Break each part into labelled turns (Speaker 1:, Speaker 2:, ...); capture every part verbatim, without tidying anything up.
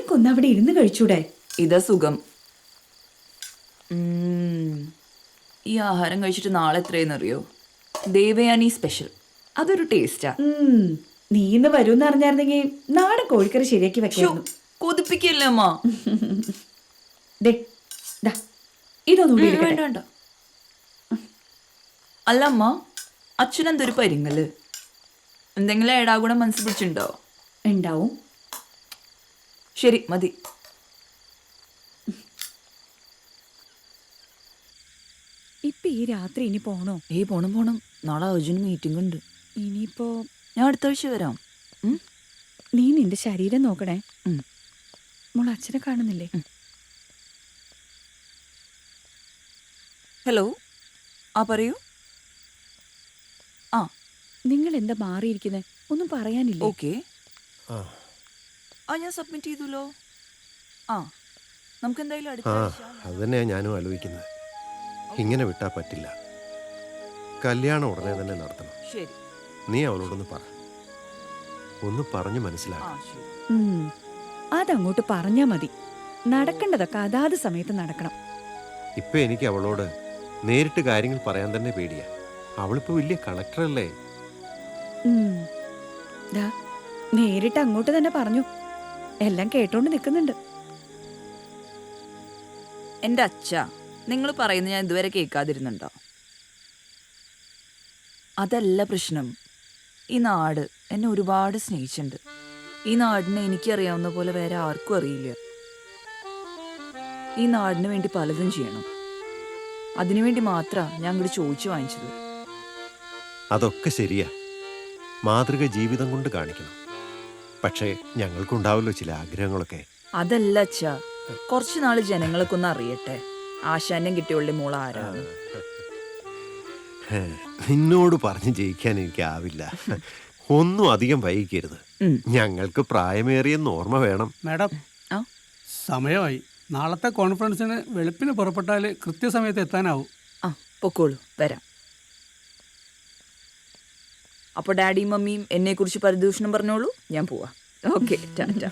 Speaker 1: നിങ്ങൾക്കൊന്ന് അവിടെ ഇരുന്ന് കഴിച്ചൂടെ?
Speaker 2: ഇതാ സുഖം. ഈ ആഹാരം കഴിച്ചിട്ട് നാളെ എത്രയെന്നറിയോ? ദേവയാനി സ്പെഷ്യൽ. അതൊരു ടേസ്റ്റാ.
Speaker 1: നീ ഇന്ന് വരൂന്ന് അറിഞ്ഞായിരുന്നെങ്കിൽ നാടൻ കോഴിക്കറി ശരിയാക്കി വെക്കായിരുന്നു.
Speaker 2: കൊതിപ്പിക്കല്ലേ അമ്മ.
Speaker 1: ഇതൊന്നും
Speaker 2: വേണ്ട വേണ്ട. അല്ല അമ്മ, അച്ഛനെന്തൊരു പരിങ്ങല്? എന്തെങ്കിലും ഏടാകൂടം മനസ്സിൽ പിടിച്ചിട്ടുണ്ടോ?
Speaker 1: ഉണ്ടാവും.
Speaker 2: ശരി, മതി.
Speaker 1: ഇപ്പൊ ഈ രാത്രി ഇനി പോണോ?
Speaker 2: ഏയ് പോണം പോണം. നാളെ അർജുന് മീറ്റിംഗ് ഉണ്ട്.
Speaker 1: ഇനിയിപ്പോ
Speaker 2: ഞാൻ അടുത്ത ആഴ്ച വരാം.
Speaker 1: നീ നിന്റെ ശരീരം നോക്കണേ. മോൾ അച്ഛനെ കാണുന്നില്ലേ?
Speaker 2: ഹലോ, ആ പറയൂ. ആ,
Speaker 1: നിങ്ങൾ എന്താ മാറിയിരിക്കുന്നത്? ഒന്നും പറയാനില്ല.
Speaker 2: ഓക്കെ. ആ ഞാൻ സബ്മിറ്റ് ചെയ്തല്ലോ. ആ നമുക്ക് എന്തായാലും അടുത്ത ആഴ്ച.
Speaker 3: അത് തന്നെയാണ് ഞാനും ആലോചിക്കുന്നത്. ഇങ്ങനെ വിട്ടാ പറ്റില്ല. കല്യാണം ഉടനെ തന്നെ നടത്തണം.
Speaker 2: ശരി,
Speaker 3: നീ അവളോടൊന്ന് പറ. ഒന്ന് പറഞ്ഞു മനസ്സിലാക്കാം.
Speaker 1: അതങ്ങോട്ട് പറഞ്ഞാ മതി. നടക്കേണ്ടതൊക്കെ അതാത് സമയത്ത് നടക്കണം.
Speaker 3: ഇപ്പൊ എനിക്ക് അവളോട് നേരിട്ട് കാര്യങ്ങൾ പറയാൻ തന്നെ പേടിയാ. അവളിപ്പോ വലിയ കളക്ടറല്ലേ.
Speaker 1: നേരിട്ട് അങ്ങോട്ട് തന്നെ പറഞ്ഞു. എല്ലാം കേട്ടോണ്ട് നിൽക്കുന്നുണ്ട്.
Speaker 2: എന്റെ അച്ഛ, നിങ്ങൾ പറയുന്നത് ഞാൻ ഇതുവരെ കേൾക്കാതിരുന്നുണ്ടോ? അതല്ല പ്രശ്നം. ഈ നാട് എന്നെ ഒരുപാട് സ്നേഹിച്ചിട്ടുണ്ട്. ഈ നാടിനെ എനിക്കറിയാവുന്ന പോലെ വേറെ ആർക്കും അറിയില്ല. ഈ നാടിന് വേണ്ടി പലതും ചെയ്യണം. അതിനുവേണ്ടി മാത്രമാണ് ഞാൻ ഇങ്ങോട്ട് ചോദിച്ചു വാങ്ങിച്ചത്.
Speaker 3: അതൊക്കെ ശരിയാ. മാതൃക ജീവിതം കൊണ്ട് കാണിക്കണം. പക്ഷേ ഞങ്ങൾക്കുണ്ടാവല്ലോ ചില ആഗ്രഹങ്ങളൊക്കെ.
Speaker 2: അതല്ല അച്ഛാ, കുറച്ചു നാള് ജനങ്ങളൊക്കെ ഒന്ന് അറിയട്ടെ ആശാന്യം കിട്ടിയുള്ള മോൾ ആരാണ്.
Speaker 3: നിന്നോട് പറഞ്ഞ് ജയിക്കാൻ എനിക്കാവില്ല. ഒന്നും അധികം വൈകിക്കരുത്. ഞങ്ങൾക്ക് പ്രായമേറിയെന്ന് ഓർമ്മ വേണം.
Speaker 4: മാഡം, സമയമായി. നാളത്തെ കോൺഫറൻസിന് വെളുപ്പിന് പുറപ്പെട്ടാൽ കൃത്യസമയത്ത് എത്താനാവും.
Speaker 2: ആ പൊക്കോളൂ, വരാം. അപ്പോൾ ഡാഡിയും മമ്മിയും എന്നെ കുറിച്ച് പരിദൂഷണം പറഞ്ഞോളൂ. ഞാൻ പോവാ. ഓക്കെ, ടാറ്റാ.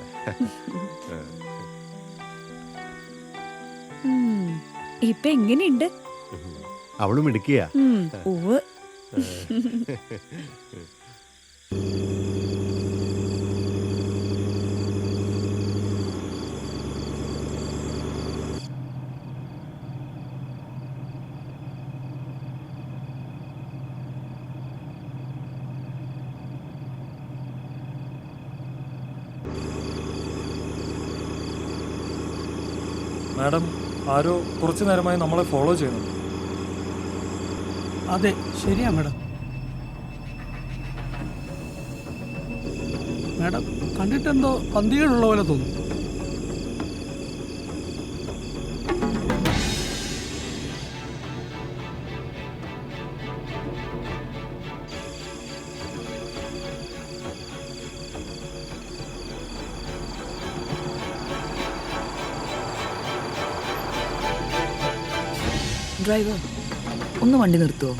Speaker 1: ഇപ്പൊ എങ്ങനെയുണ്ട്?
Speaker 3: അവളും ഇടുക്കിയ.
Speaker 5: മാഡം, ആരോ കുറച്ചു നേരമായി നമ്മളെ ഫോളോ ചെയ്യുന്നുണ്ട്.
Speaker 4: അതെ, ശരിയാ മാഡം. മാഡം, കണ്ടിട്ടെന്തോ പന്തികളുള്ള പോലെ തോന്നുന്നു.
Speaker 2: ഡ്രൈവർ, ഒന്ന് വണ്ടി നിർത്തുമോ?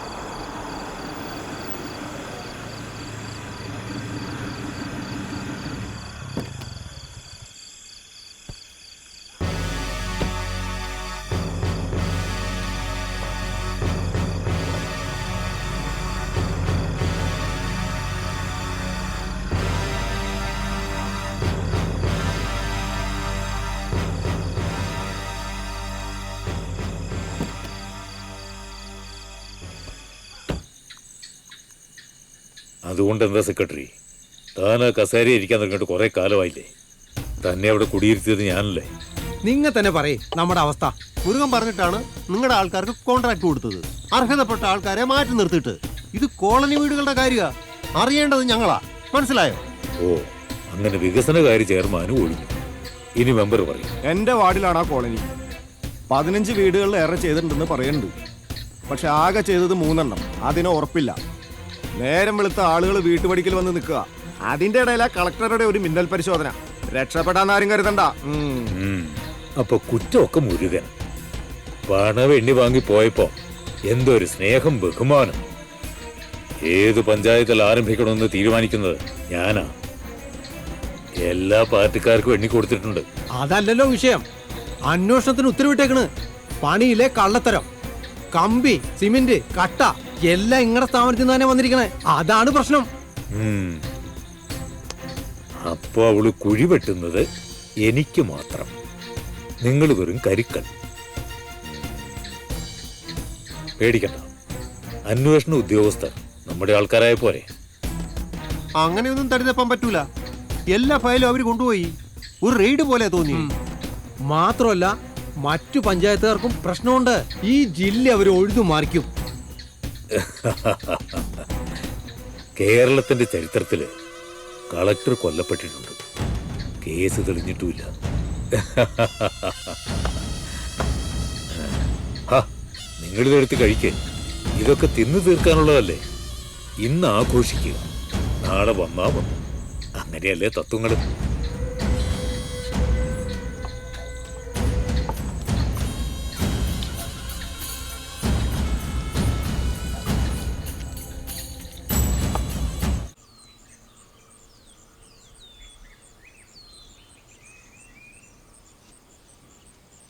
Speaker 6: അതുകൊണ്ട് എന്താ സെക്രട്ടറി, താൻ ആ കസേര ഇരിക്കാൻ തുടങ്ങിയിട്ട് കുറെ കാലമായില്ലേ? തന്നെ അവിടെ കുടിയിരുത്തിയത് ഞാനല്ലേ?
Speaker 3: നിങ്ങൾ തന്നെ പറയേ നമ്മുടെ അവസ്ഥ. മുരുകൻ പറഞ്ഞിട്ടാണ് നിങ്ങളുടെ ആൾക്കാർക്ക് കോൺട്രാക്ട് കൊടുത്തത്. അർഹതപ്പെട്ട ആൾക്കാരെ മാറ്റി നിർത്തിയിട്ട്. ഇത് കോളനി വീടുകളുടെ കാര്യമാ. അറിയേണ്ടത് ഞങ്ങളാ. മനസ്സിലായോ?
Speaker 6: ഓ, അങ്ങനെ വികസനകാര്യ ചെയർമാനും ഒഴിഞ്ഞു. ഇനി മെമ്പർ പറയും.
Speaker 7: എന്റെ വാർഡിലാണ് ആ കോളനി. പതിനഞ്ച് വീടുകളിൽ ഏറെ ചെയ്തിട്ടുണ്ടെന്ന് പറയുന്നുണ്ട്. പക്ഷെ ആകെ ചെയ്തത് മൂന്നെണ്ണം. അതിന് ഉറപ്പില്ല. നേരം വെളുത്ത ആളുകൾ വീട്ടുപടിക്കൽ വന്ന് നിൽക്കുക. അതിന്റെ ഇടയിലാ കളക്ടറുടെ ഒരു മിന്നൽ പരിശോധന. രക്ഷപ്പെടാൻ ആരും കരുതണ്ട.
Speaker 6: അപ്പൊ കുറ്റമൊക്കെ മുരുകൻ. പണം എണ്ണി വാങ്ങി പോയപ്പോ എന്തൊരു സ്നേഹം, ബഹുമാനം. ഏത് പഞ്ചായത്തിൽ ആരംഭിക്കണമെന്ന് തീരുമാനിക്കുന്നത് ഞാനാ. എല്ലാ പാർട്ടിക്കാർക്കും എണ്ണി കൊടുത്തിട്ടുണ്ട്.
Speaker 3: അതല്ലല്ലോ വിഷയം. അന്വേഷണത്തിന് ഉത്തരവിട്ടേക്കണ്. പണിയിലെ കള്ളത്തരം, കമ്പി, സിമെന്റ്, കട്ട എല്ലാം ഇങ്ങടെ സ്ഥാപനത്തിൽ നിന്ന് തന്നെ വന്നിരിക്കണേ. അതാണ് പ്രശ്നം.
Speaker 6: ഉം. അപ്പൊ അവള് കുഴി വെട്ടുന്നത് എനിക്ക് മാത്രം, നിങ്ങൾ വെറും കരിക്കൽ. പേടിക്കണ്ട, അന്വേഷണ ഉദ്യോഗസ്ഥർ നമ്മുടെ ആൾക്കാരായ പോരെ.
Speaker 3: അങ്ങനെയൊന്നും തടിതപ്പാൻ പറ്റൂല. എല്ലാ ഫയലും അവര് കൊണ്ടുപോയി. ഒരു റെയ്ഡ് പോലെ തോന്നി. മാത്രമല്ല മറ്റു പഞ്ചായത്തുകാർക്കും പ്രശ്നമുണ്ട്. ഈ ജില്ല അവർ ഒഴുതു മാറിക്കും.
Speaker 6: കേരളത്തിന്റെ ചരിത്രത്തില് കളക്ടർ കൊല്ലപ്പെട്ടിട്ടുണ്ട്, കേസ് തെളിഞ്ഞിട്ടുമില്ല. നിങ്ങളിതെടുത്ത് കഴിക്കേ, ഇതൊക്കെ തിന്നു തീർക്കാനുള്ളതല്ലേ. ഇന്ന് ആഘോഷിക്കുക, നാളെ വന്നാ വന്നു. അങ്ങനെയല്ലേ തത്വങ്ങൾ.